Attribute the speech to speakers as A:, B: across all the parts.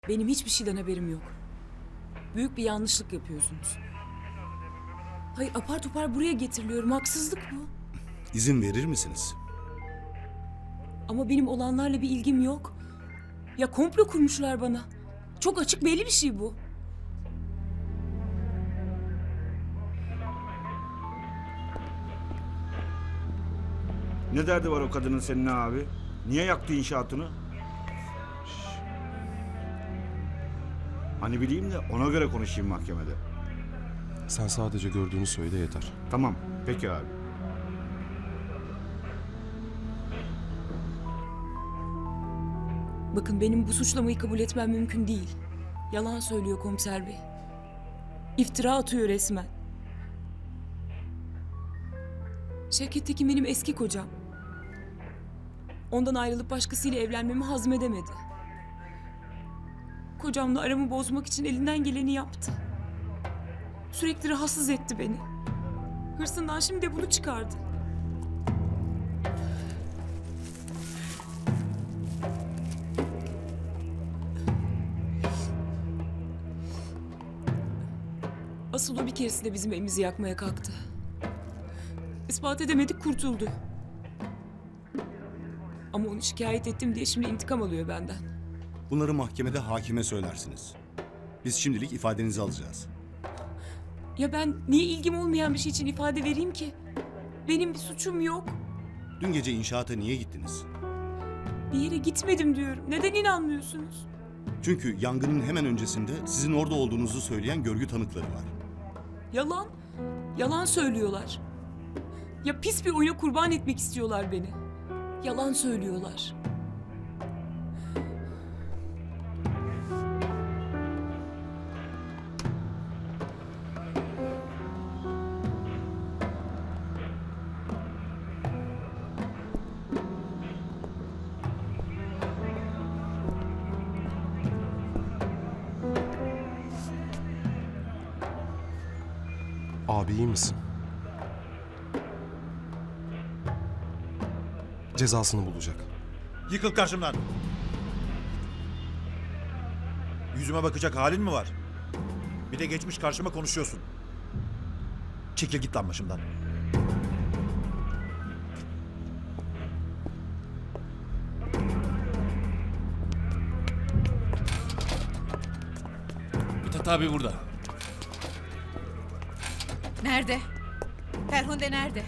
A: Benim hiçbir şeyden haberim yok. Büyük bir yanlışlık yapıyorsunuz. Hayır, apar topar buraya getiriliyorum. Haksızlık bu.
B: İzin verir misiniz?
A: Ama benim olanlarla bir ilgim yok. Ya komplo kurmuşlar bana. Çok açık, belli bir şey bu.
C: Ne derdi var o kadının seninle abi? Niye yaktı inşaatını? Hani bileyim de ona göre konuşayım mahkemede.
D: Sen sadece gördüğünü söyle yeter.
C: Tamam, peki abi.
A: Bakın, benim bu suçlamayı kabul etmem mümkün değil. Yalan söylüyor komiser bey. İftira atıyor resmen. Şevket Tekin benim eski kocam. Ondan ayrılıp başkasıyla evlenmemi hazmedemedi. Kocamla aramı bozmak için elinden geleni yaptı. Sürekli rahatsız etti beni. Hırsından şimdi de bunu çıkardı. Asıl o bir keresinde bizim evimizi yakmaya kalktı. İspat edemedik, kurtuldu. Ama onu şikayet ettim diye şimdi intikam alıyor benden.
B: Bunları mahkemede hakime söylersiniz. Biz şimdilik ifadenizi alacağız.
A: Ya ben niye ilgim olmayan bir şey için ifade vereyim ki? Benim bir suçum yok.
B: Dün gece inşaata niye gittiniz?
A: Bir yere gitmedim diyorum. Neden inanmıyorsunuz?
B: Çünkü yangının hemen öncesinde sizin orada olduğunuzu söyleyen görgü tanıkları var.
A: Yalan. Yalan söylüyorlar. Ya pis bir oyuna kurban etmek istiyorlar beni. Yalan söylüyorlar.
D: Abi iyi misin? Cezasını bulacak.
E: Yıkıl karşımdan. Yüzüme bakacak halin mi var? Bir de geçmiş karşıma konuşuyorsun. Çekil git lan başımdan.
F: Mithat abi burada.
G: Nerede? Ferhunde nerede?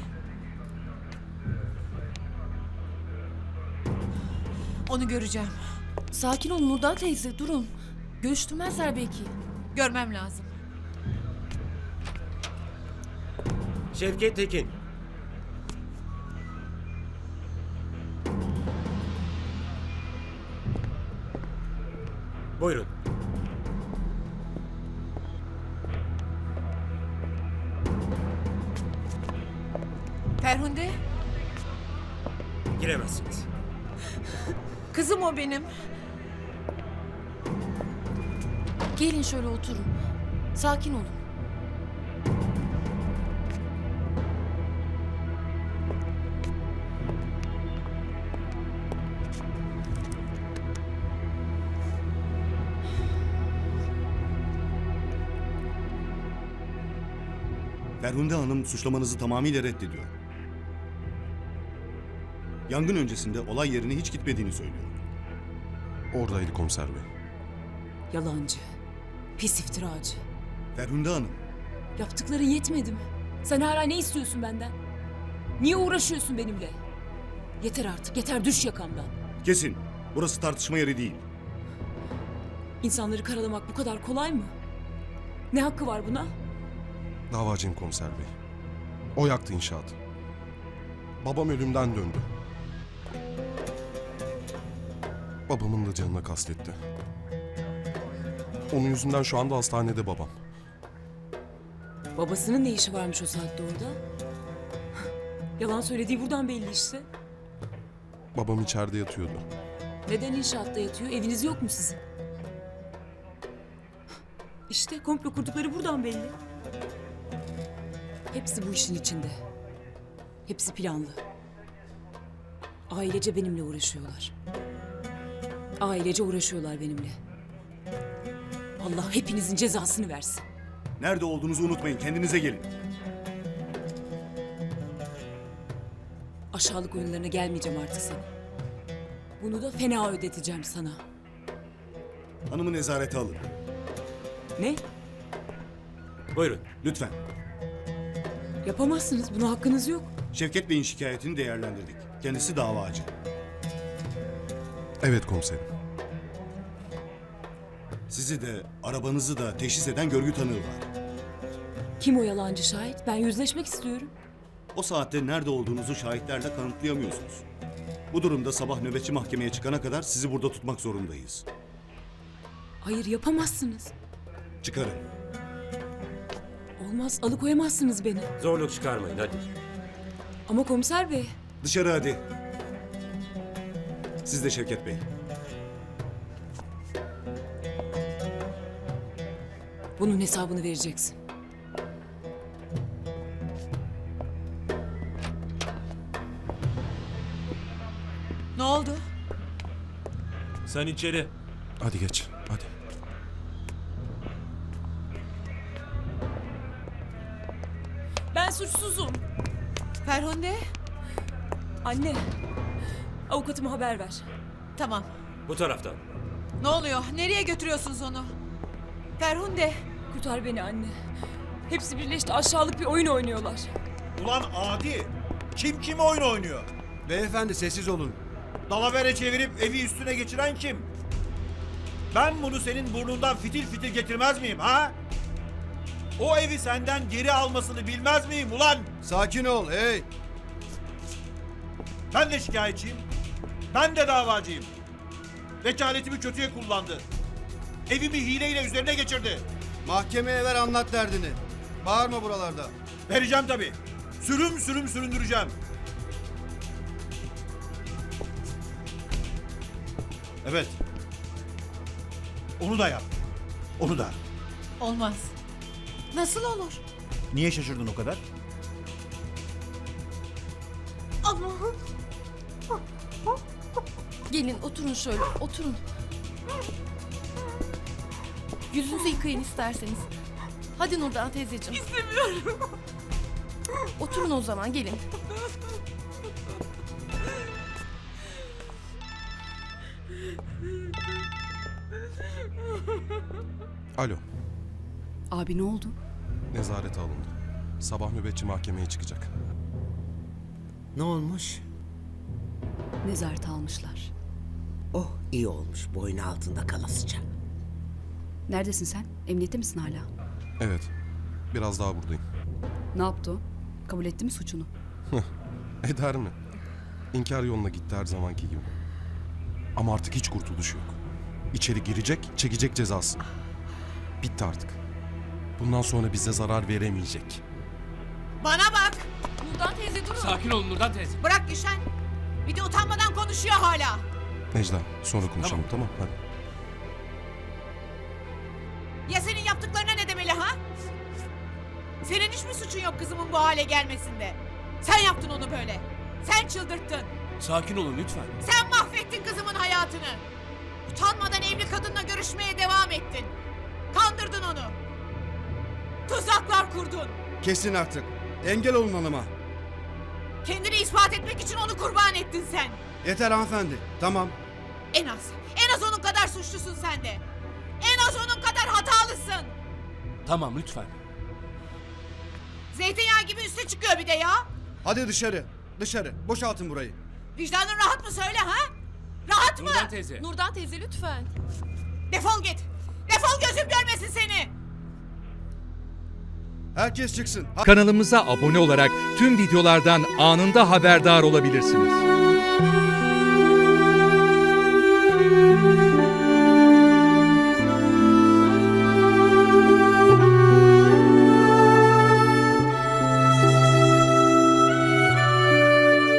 G: Onu göreceğim.
H: Sakin olun Nurdan teyze, durun. Görüştürmezler belki.
G: Görmem lazım.
F: Şevket Tekin. Buyurun.
G: Ferhunde,
F: Giremezsiniz.
G: kızım o benim.
H: Gelin şöyle oturun. Sakin olun.
B: Ferhunde Hanım suçlamanızı tamamıyla reddediyor. Yangın öncesinde olay yerine hiç gitmediğini söylüyor.
D: Oradaydı komiser bey.
A: Yalancı. Pis iftiracı.
B: Ferhunde Hanım,
A: Yaptıkların yetmedi mi? Sen hala ne istiyorsun benden? Niye uğraşıyorsun benimle? Yeter artık, yeter, düş yakamdan.
B: kesin. Burası tartışma yeri değil.
A: İnsanları karalamak bu kadar kolay mı? Ne hakkı var buna?
D: Davacıyım komiser bey. O yaktı inşaatı. Babam ölümden döndü. Babamın da canına kastetti. Onun yüzünden şu anda hastanede babam.
A: Babasının ne işi varmış o saatte orada? Yalan söylediği buradan belli işte.
D: Babam içeride yatıyordu.
A: Neden inşaatta yatıyor? Eviniz yok mu sizin? İşte komplo kurdukları buradan belli. Hepsi bu işin içinde. Hepsi planlı. Ailece benimle uğraşıyorlar. Ailece uğraşıyorlar benimle. Allah hepinizin cezasını versin.
B: Nerede olduğunuzu unutmayın. Kendinize gelin.
A: Aşağılık oyunlarına gelmeyeceğim artık sana. Bunu da fena ödeteceğim sana.
B: Hanımı nezarete alın.
A: Ne?
F: Buyurun.
B: Lütfen.
A: Yapamazsınız. Buna hakkınız yok.
B: Şevket Bey'in şikayetini değerlendirdik. Kendisi davacı.
D: Evet komiserim.
B: Sizi de arabanızı da teşhis eden görgü tanığı var.
A: Kim o yalancı şahit? Ben yüzleşmek istiyorum.
B: O saatte nerede olduğunuzu şahitlerle kanıtlayamıyorsunuz. Bu durumda sabah nöbetçi mahkemeye çıkana kadar sizi burada tutmak zorundayız.
A: Hayır, yapamazsınız.
B: Çıkarın.
A: Olmaz, alıkoyamazsınız beni.
F: Zorluk çıkarmayın hadi.
A: Ama komiser bey,
B: Dışarı hadi. Siz de Şevket Bey.
A: bunun hesabını vereceksin.
G: Ne oldu?
F: Sen içeri.
D: Hadi geç. Hadi.
A: Ben suçsuzum.
G: Ferhunde?
A: Anne, avukatıma haber ver.
G: Tamam.
F: Bu taraftan.
G: Ne oluyor? Nereye götürüyorsunuz onu? Ferhunde.
A: Kurtar beni anne. Hepsi birleşti, aşağılık bir oyun oynuyorlar.
E: Ulan adi! Kim kime oyun oynuyor?
I: Beyefendi sessiz olun.
E: Dalavere çevirip evi üstüne geçiren kim? Ben bunu senin burnundan fitil fitil getirmez miyim ha? O evi senden geri almasını bilmez miyim ulan?
I: Sakin ol hey.
E: Ben de şikayetçiyim. Ben de davacıyım. Vekaletimi kötüye kullandı. Evimi hileyle üzerine geçirdi.
I: Mahkemeye ver anlat derdini. Bağırma buralarda.
E: Vereceğim tabii. Sürüm sürüm süründüreceğim. Evet. Onu da yap. Onu da.
G: Olmaz. Nasıl olur?
E: Niye şaşırdın o kadar?
G: Allah'ım.
H: Gelin oturun şöyle oturun. Yüzünüzü yıkayın isterseniz. Hadi Nurdan teyzeciğim. İstemiyorum. Oturun o zaman gelin.
D: Alo.
H: Abi ne oldu?
D: Nezarete alındı. Sabah nöbetçi mahkemeye çıkacak.
J: Ne olmuş?
H: Nezarete almışlar.
J: Oh iyi olmuş boynu altında kalasıca.
H: Neredesin sen? Emniyette misin hala?
D: Evet. Biraz daha buradayım.
H: Ne yaptı o? Kabul etti mi suçunu?
D: Eder mi? İnkar yoluna gitti her zamanki gibi. Ama artık hiç kurtuluş yok. İçeri girecek, çekecek cezasını. Bitti artık. Bundan sonra bize zarar veremeyecek.
G: Bana bak.
H: Nurdan teyze durun.
F: Sakin olun Nurdan teyze.
G: Bırak Gülşen. Bir de utanmadan konuşuyor hala.
D: Necla, sonra konuşalım tamam. Hadi.
G: Ya senin yaptıklarına ne demeli ha? Senin hiç mi suçun yok kızımın bu hale gelmesinde? Sen yaptın onu böyle. Sen çıldırttın.
F: Sakin olun lütfen.
G: Sen mahvettin kızımın hayatını. Utanmadan evli kadınla görüşmeye devam ettin. Kandırdın onu. Tuzaklar kurdun.
I: Kesin artık. Engel olun hanıma.
G: Kendini ispat etmek için onu kurban ettin sen.
I: Yeter hanımefendi. Tamam.
G: En az onun kadar suçlusun sen de. En az onun kadar hatalısın.
F: Tamam lütfen.
G: Zeytinyağı gibi üste çıkıyor bir de ya.
I: Hadi dışarı. Dışarı. Boşaltın burayı.
G: Vicdanın rahat mı söyle ha? Rahat mı?
F: Nurdan teyze.
H: Nurdan teyze lütfen.
G: Defol git. Defol gözüm görmesin seni.
I: Herkes çıksın.
K: Kanalımıza abone olarak tüm videolardan anında haberdar olabilirsiniz.